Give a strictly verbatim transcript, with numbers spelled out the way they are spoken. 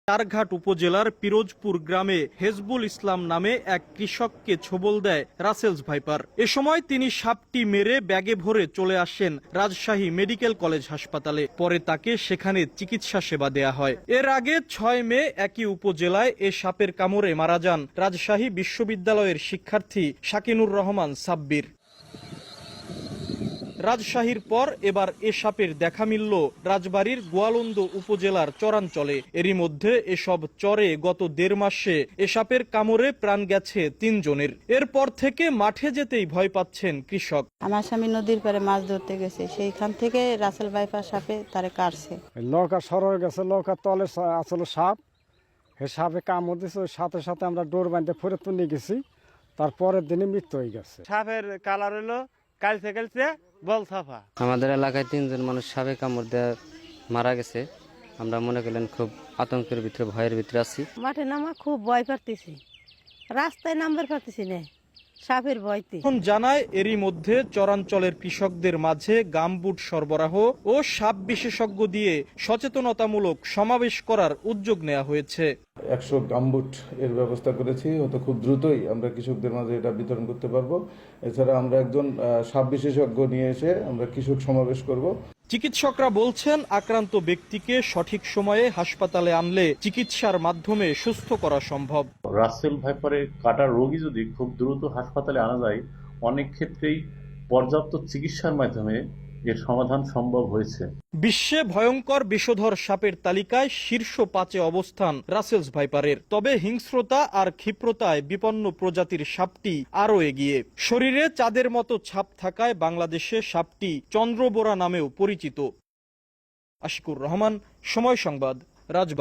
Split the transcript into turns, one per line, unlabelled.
চারঘাট উপজেলার পিরোজপুর গ্রামে হেজবুল ইসলাম নামে এক কৃষককে ছোবল দেয় রাসেলস ভাইপার। এ সময় তিনি সাপটি মেরে ব্যাগে ভরে চলে আসেন রাজশাহী মেডিকেল কলেজ হাসপাতালে। পরে তাকে সেখানে চিকিৎসা সেবা দেয়া হয়। এর আগে ছয় মে একই উপজেলায় এ সাপের কামড়ে মারা যান রাজশাহী বিশ্ববিদ্যালয়ের শিক্ষার্থী শাকিনুর রহমান সাব্বির। রাজশাহীর পর এবার এ সাপের দেখা মিলল রাজবাড়ীর গোয়ালন্দ উপজেলার চরাঞ্চলে। এরই মধ্যে এসব চরে গত দেড় মাসে এ সাপের কামড়ে প্রাণ গেছে তিনজনের। এরপর থেকে মাঠে যেতেই ভয় পাচ্ছেন কৃষক।
আমার স্বামী নদীর পারে মাছ ধরতে গেছে, সেইখান থেকে রাসেল ভাইপার সাপে তারে কাটছে।
নৌকা সরে গেছে, নৌকার তলে আসলে সাপ, সে সাপে কামড় দিয়েছে। ওই সাথে সাথে আমরা ডোর বাঁধতে ফেরত তুলে গেছি, তারপরের দিনে মৃত্যু হয়ে গেছে।
সাপের কালার হলো কালচে কালচে বল সাফা।
আমাদের এলাকায় তিনজন মানুষ সাপে কামড় দেওয়া মারা গেছে। আমরা মনে করলেন খুব আতঙ্কের ভিতরে, ভয়ের ভিতরে আছি।
মাঠে নামা খুব ভয় পারতেছি, রাস্তায় নামবার পারতেছি না সাপের ভয়তে।
এখন জানায় এরই মধ্যে চরাঞ্চলের কৃষকদের মাঝে গামবুট সরবরাহ ও সাপ বিশেষজ্ঞ দিয়ে সচেতনতামূলক সমাবেশ করার উদ্যোগ নেওয়া হয়েছে।
একশো গামবুট এর ব্যবস্থা করেছি, হয়তো খুব দ্রুতই আমরা কৃষকদের মাঝে এটা বিতরণ করতে পারবো। এছাড়া আমরা একজন সাপ বিশেষজ্ঞ নিয়ে এসে আমরা কৃষক সমাবেশ করব।
চিকিৎসকরা বলছেন, আক্রান্ত ব্যক্তিকে সঠিক সময়ে হাসপাতালে আনলে চিকিৎসার মাধ্যমে সুস্থ করা সম্ভব।
রাসেল ভাইপারের কাটার রোগী যদি খুব দ্রুত হাসপাতালে আনা যায়, অনেক ক্ষেত্রেই পর্যাপ্ত চিকিৎসার মাধ্যমে এর সমাধান সম্ভব হয়েছে।
বিশ্বে ভয়ঙ্কর বিষধর সাপের তালিকায় শীর্ষ পাঁচে অবস্থান রাসেলস ভাইপারের। তবে হিংস্রতা আর ক্ষিপ্রতায় বিপন্ন প্রজাতির সাপটি আরও এগিয়ে। শরীরে চাঁদের মতো ছাপ থাকায় বাংলাদেশে সাপটি চন্দ্রবোরা নামেও পরিচিত। আশিকুর রহমান, সময় সংবাদ, রাজবাড়ী।